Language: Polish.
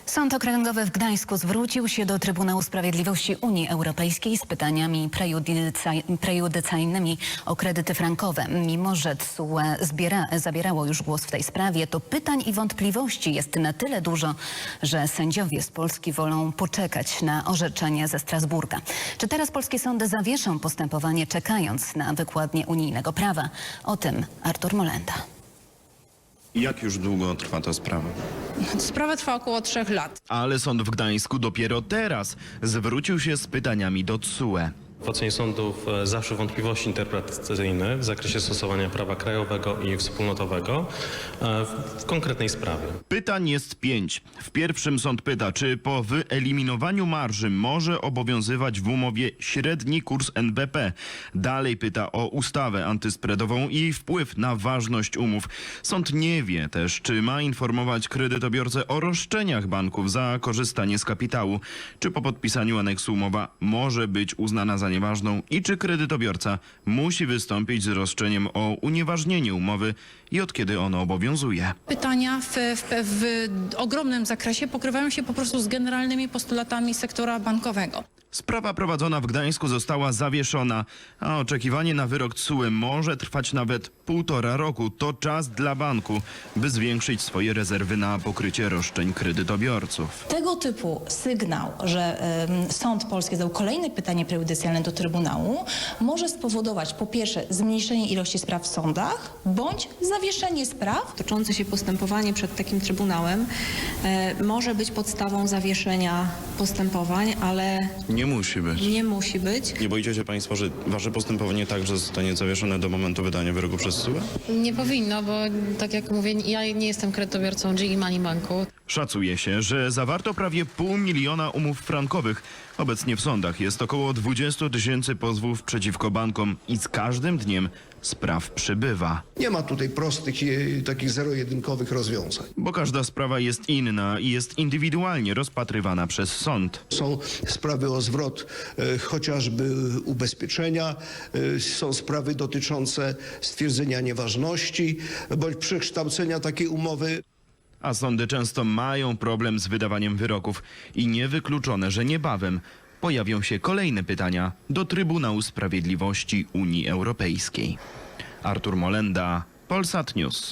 Sąd Okręgowy w Gdańsku zwrócił się do Trybunału Sprawiedliwości Unii Europejskiej z pytaniami prejudycjalnymi o kredyty frankowe. Mimo że TSUE zabierało już głos w tej sprawie, to pytań i wątpliwości jest na tyle dużo, że sędziowie z Polski wolą poczekać na orzeczenie ze Strasburga. Czy teraz polskie sądy zawieszą postępowanie, czekając na wykładnię unijnego prawa? O tym Artur Molenda. Jak już długo trwa ta sprawa? Sprawa trwa około 3 lat. Ale sąd w Gdańsku dopiero teraz zwrócił się z pytaniami do TSUE. W ocenie sądów zawsze wątpliwości interpretacyjne w zakresie stosowania prawa krajowego i wspólnotowego w konkretnej sprawie. Pytań jest 5. W pierwszym sąd pyta, czy po wyeliminowaniu marży może obowiązywać w umowie średni kurs NBP. Dalej pyta o ustawę antyspreadową i wpływ na ważność umów. Sąd nie wie też, czy ma informować kredytobiorcę o roszczeniach banków za korzystanie z kapitału, czy po podpisaniu aneksu umowa może być uznana za nieważną i czy kredytobiorca musi wystąpić z roszczeniem o unieważnienie umowy i od kiedy ono obowiązuje. Pytania w ogromnym zakresie pokrywają się po prostu z generalnymi postulatami sektora bankowego. Sprawa prowadzona w Gdańsku została zawieszona, a oczekiwanie na wyrok TSUE może trwać nawet 1,5 roku. To czas dla banku, by zwiększyć swoje rezerwy na pokrycie roszczeń kredytobiorców. Tego typu sygnał, że sąd polski zadał kolejne pytanie prejudycjalne do Trybunału, może spowodować po pierwsze zmniejszenie ilości spraw w sądach, bądź zawieszenie spraw. Toczące się postępowanie przed takim Trybunałem może być podstawą zawieszenia postępowań, ale Nie musi być. nie musi być. Nie boicie się państwo, że wasze postępowanie także zostanie zawieszone do momentu wydania wyroku przez TSUE? Nie powinno, bo tak jak mówię, ja nie jestem kredytobiorcą GE Money Banku. Szacuje się, że zawarto prawie 500 000 umów frankowych. Obecnie w sądach jest około 20 000 pozwów przeciwko bankom i z każdym dniem spraw przybywa. Nie ma tutaj prostych, takich zero-jedynkowych rozwiązań. Bo każda sprawa jest inna i jest indywidualnie rozpatrywana przez sąd. Są sprawy o zwrot chociażby ubezpieczenia, są sprawy dotyczące stwierdzenia nieważności bądź przekształcenia takiej umowy. A sądy często mają problem z wydawaniem wyroków i niewykluczone, że niebawem pojawią się kolejne pytania do Trybunału Sprawiedliwości Unii Europejskiej. Artur Molenda, Polsat News.